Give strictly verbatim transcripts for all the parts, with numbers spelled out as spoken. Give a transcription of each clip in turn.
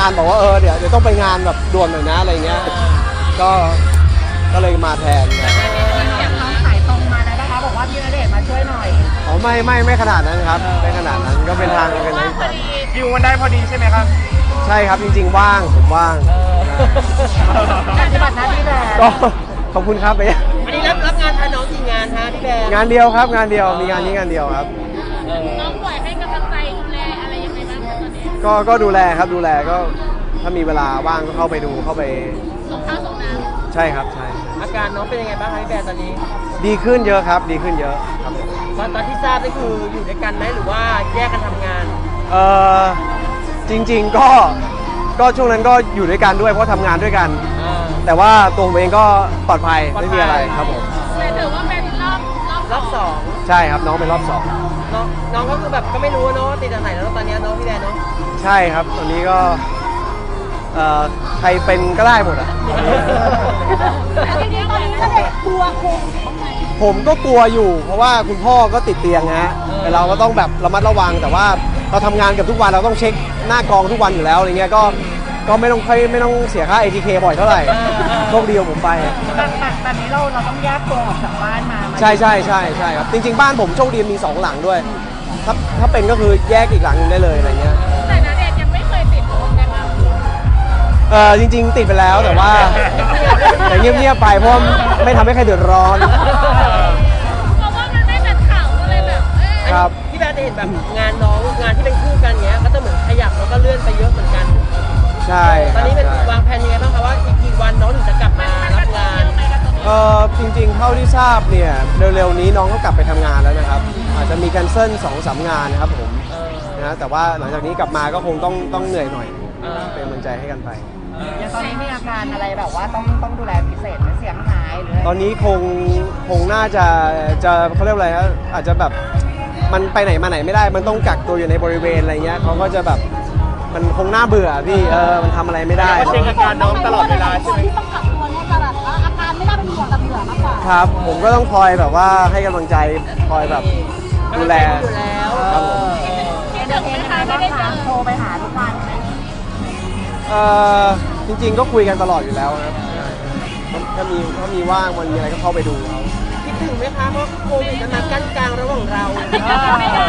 การบอกว่าเออเดี๋ยวเดี๋ยวต้องไปงานแบบด่วนหน่อยนะอะไรเงี้ยก็ก็เลยมาแทนครับอย่างน้องสายตรงมาแล้วนะคะบอกว่าพี่ณเดชน์มาช่วยหน่อยอ๋อไม่ไม่ไม่ขนาดนั้นครับไม่ขนาดนั้นก็เป็นทางกันนะคิวมันได้พอดีใช่ไหมครับใช่ครับจริงๆว่างผมว่างปฏิบัติหน้าที่แทนก็ขอบคุณครับไปวันนี้รับรับงานแทนน้องกี่งานฮะพี่แบร์งานเดียวครับงานเดียวมีงานนี้งานเดียวครับน้องปล่อยให้กำลังใจดูแลอะไรยังไงบ้างคะตอนนี้ก็ก็ดูแลครับดูแลก็ถ้ามีเวลาว่างก็เข้าไปดูเข้าไปส่งข้าวส่งน้ใช่ครับใช่อาการน้องเป็นยังไงบ้างคะพี่แบร์ตอนนี้ดีขึ้นเยอะครับดีขึ้นเยอะครับผมตอนตอนที่ทราบนี่คืออยู่ด้วยกันไหมหรือว่าแยกกันทำงานเออจริงๆก็ก็ช่วงนั้นก็อยู่ด้วยกันด้วยเพราะทำงานด้วยกันอ่าแต่ว่าตัวผมเองก็ปลอดภัยไม่มีอะไรครับผมำแต่ถือว่าเป็นรอบรอบรอบสองใช่ครับน้องเป็นรอบสองน้องน้องก็คือแบบก็ไม่รู้เนาะติดจากไหนแล้วตอนนี้น้องพี่แบร์เนาะใช่ครับตอนนี้ก็เอ่อใครเป็นก็ได้หมดอ่ะจริงๆตอนนี้ณเดชน์กลัวคงผมก็กลัวอยู่ เพราะว่าคุณพ่อก็ติดเตียงฮะแต่เราก็ต้องแบบระมัดระวังแต่ว่าเราทำงานเกับทุกวันเราต้องเช็คหน้ากองทุกวันอยู่แล้วอะไรเงี้ยก็ก็ไม่ต้องค่อยไม่ต้องเสียค่า เอ ที เค บ่อยเท่าไหร่โชคดีของผมไปแบบแบบแบบนี้เราเราต้องแยกตัวออกจากบ้านมามาใช่ใช่ใช่ใช่ครับจริง ๆ บ้านผมโชคดีมีสองหลังด้วย ถ้าถ้าเป็นก็คือแยกอีกหลังหนึงได้เลยอะไรเงี้ยแต่ณเดชน์ยังไม่เคยติดโควิดนะคะเออจริง ๆ ติดไปแล้วแต่ว่าแต่เงียบๆไปเพราะไม่ทำให้ใครเดือดร้อนเพราะว่ามันไม่เป็นข่าวก็เลยแบบเอ้ยครับพี่แบร์จะเห็นแบบงานน้องงานที่เป็นคู่กันเงี้ยก็จะเหมือนขยับแล้วก็เลื่อนไปเยอะเหมือนกันใช่ตอนนี้เป็นใช่วางแผนยังไงบ้างคะว่าอีกกี่วันน้องถึงจะกลับมามันรับกระทบงาเยนอะไหมกระทบเยเออะอจริงๆ เท่าที่ทราบเนี่ยเร็วๆนี้น้องก็กลับไปทำงานแล้วนะครับ อาจจะมีแคนเซิลสองสามงานนะครับผมเออนะแต่ว่าหลังจากนี้กลับมาก็คงต้องต้องเหนื่อยหน่อยเออเป็นกำลังใจให้กันไปอย่างตอนนี้มีอาการอะไรแบบว่าต้องต้องดูแลพิเศษไหมเสียงหายหรืออะไรตอนนี้คงคงน่าจะจะเขาเรียกว่าอะไรครับอาจจะแบบมันไปไหนมาไหนไม่ได้ มันต้องกักตัวอยู่ในบริเวณอะไรเงี้ยเขาก็จะแบบมันคงน่าเบื่อพี่เออมันทำอะไรไม่ได้ก็เช็คอาการน้องตลอดเวลาใช่ไหมที่ต้องกักตัวเนี่ยจะแบบว่าอาการไม่น่าเป็นห่วงแต่เบื่อมากกว่าครับ ผมก็ต้องคอยแบบว่าให้กำลังใจคอยแบบดูแลอยู่แล้วครับผมคิดถึงไหมคะไม่ได้เจอโทรไปหาทุกวันไหมเออจริงๆก็คุยกันตลอดอยู่แล้วนะครับถ้ามีถ้ามีว่างมันมีอะไรก็เข้าไปดูเขาคิดถึงไหมคะเพราะโควิดมันมากั้นกลางระหว่างเราไม่ได้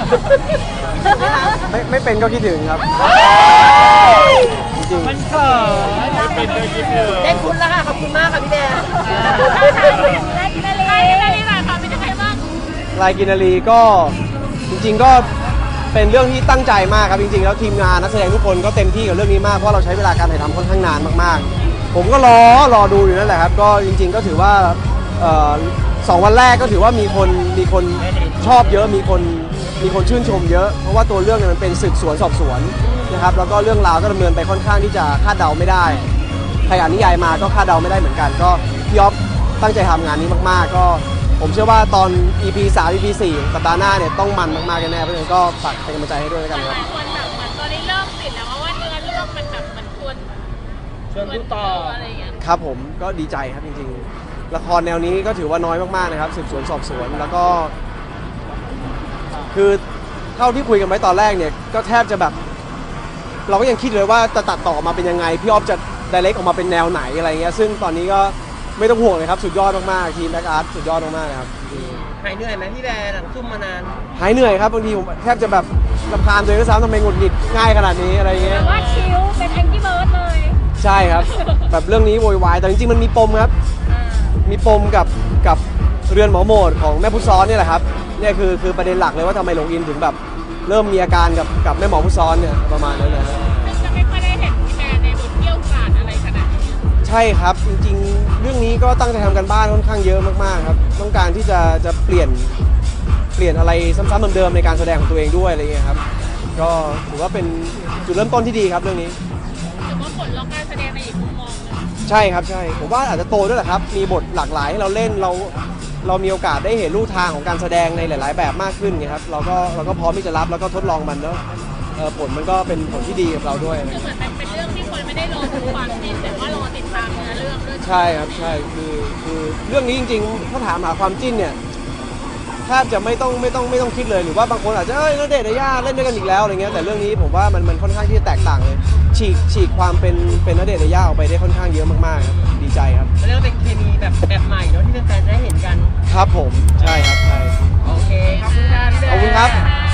ไม่ไม่เป็นก็คิดถึงครับ จริงมันเกิดไม่เป็นเลยคิดเลยได้คุณแล้วค่ะขอบคุณมากค่ะพี่แดงได้กินอะไรได้กินอะไรหน่อยค่ะเป็นยังไงบ้างๆลายกินนารีก็จริง ๆก็เป็นเรื่องที่ตั้งใจมากครับจริงๆแล้วทีมงานนักแสดงทุกคนก็เต็มที่กับเรื่องนี้มากเพราะเราใช้เวลาการถ่ายทำค่อนข้างนานมากๆ ผมก็รอรอดูอยู่นั่นแหละครับก็จริง ๆ ก็ถือว่าเอ่อสองวันแรกก็ถือว่ามีคนมีคนชอบเยอะมีคนมีคนชื่นชมเยอะ เพราะว่าตัวเรื่องเนี่ยมันเป็นสืบสวนสอบสวนนะครับแล้วก็เรื่องราวก็ดำเนินไปค่อนข้างที่จะคาดเดาไม่ได้ ใครอ่านนิยายมาก็คาดเดาไม่ได้เหมือนกัน ก็พี่อ๊อฟตั้งใจทำงานนี้มากๆ ก็ผมเชื่อว่าตอน อี พี สาม อี พี สี่สัปดาห์หน้าเนี่ยต้องมันมากๆแน่ๆเพราะฉะนั้นก็ฝากเป็นกำลังใจให้ด้วยแล้วกันหครับลายคนแบบเหมือนตอนนี้เริ่มติดแล้วเพราะว่าเนื้อเรื่องมันแบบมันควรชวนดูต่ออะไรอย่างเงี้ยครับผมก็ดีใจครับจริงๆ ละครแนวนี้ก็ถือว่าน้อยมากๆนะครับสืบสวนสอบสวนแล้วก็ คือเท่าที่คุยกันไว้ตอนแรกเนี่ยก็แทบจะแบบ เราก็ยังคิดเลยว่าจะตัดต่อมาเป็นยังไงพี่ออฟจะไดเรกออกมาเป็นแนวไหนอะไรเงี้ยซึ่งตอนนี้ก็ไม่ต้องห่วงเลยครับสุดยอดมากๆทีมแบ็กอาร์ตสุดยอดมากๆเลยครับหายเหนื่อยไหมพี่แบร์หลังซุ่มมานานหายเหนื่อยครับบางทีผมแทบจะแบบรำคาญตัวเองด้วยซ้ำทำไมหงุดหงิดง่ายขนาดนี้อะไรเงี้ยแต่ว่าคิวเป็นแองกี้เบิร์ดเลยใช่ครับ แบบเรื่องนี้โวยวายแต่จริงๆมันมีปมครับอ่ามีปมกับกับเรือนหมอโหมดของแม่พุทธซ้อนเนี่ยแหละครับเนี่ยคือคือประเด็นหลักเลยว่าทำไมหลงอินถึงแบบเริ่มมีอาการกับกับแม่หมอพุทธซ้อนเนี่ยประมาณนั้นนะฮะซึ่งจะไม่ค่อยได้เห็นพี่แบร์ในบทเกี่ยวกาดอะไรขนาดนี้ใช่ครับจริงๆ เรื่องนี้ก็ตั้งใจทำกันบ้านค่อนข้างเยอะมากๆครับต้องการที่จะจะเปลี่ยนเปลี่ยนอะไรซ้ำๆเดิมๆในการแสดงของตัวเองด้วยอะไรเงี้ยครับก็ถือว่าเป็นจุดเริ่มต้นที่ดีครับเรื่องนี้ถือว่าผลล็อกการแสดงในอีกมุมมองหนึงใช่ครับใช่ผมว่าอาจจะโตด้วยแหละครับมีบทหลากหลายให้เราเล่นเราเรามีโอกาสได้เห็นรูทางของการแสดงในหลาย ๆ แบบมากขึ้นไงครับเราก็เราก็พร้อมที่จะรับแล้วก็ทดลองมันแล้วเอ่อผลมันก็เป็นผลที่ดีกับเราด้วยคือเหมือนมันเป็นเรื่องที่คนไม่ได้รอดูความจริงแต่ว่ารอติดตามเนื้อเรื่องด้วยใช่ครับใช่คือคือเรื่องนี้จริงๆถ้าถามหาความจิ้นเนี่ยแทบจะไม่ต้องไม่ต้องไม่ต้องคิดเลยหรือว่าบางคนอาจจะเอ้ยณเดชน์ยาย่าเล่นด้วยกันอีกแล้วอะไรเงี้ยแต่เรื่องนี้ผมว่ามันมันค่อนข้างที่จะแตกต่างเลยฉีกฉีกความเป็นเป็นณเดชน์ยาย่าออกไปได้ค่อนข้างเยอะมากๆครับดีใจครับเรียกว่าเป็นเคมีแบบแบบใหม่เนาะที่แฟนๆได้เห็นกันครับผมใช่ครับใช่โอเคขอบคุณค่ะพี่แบขอบคุณครับค่ะ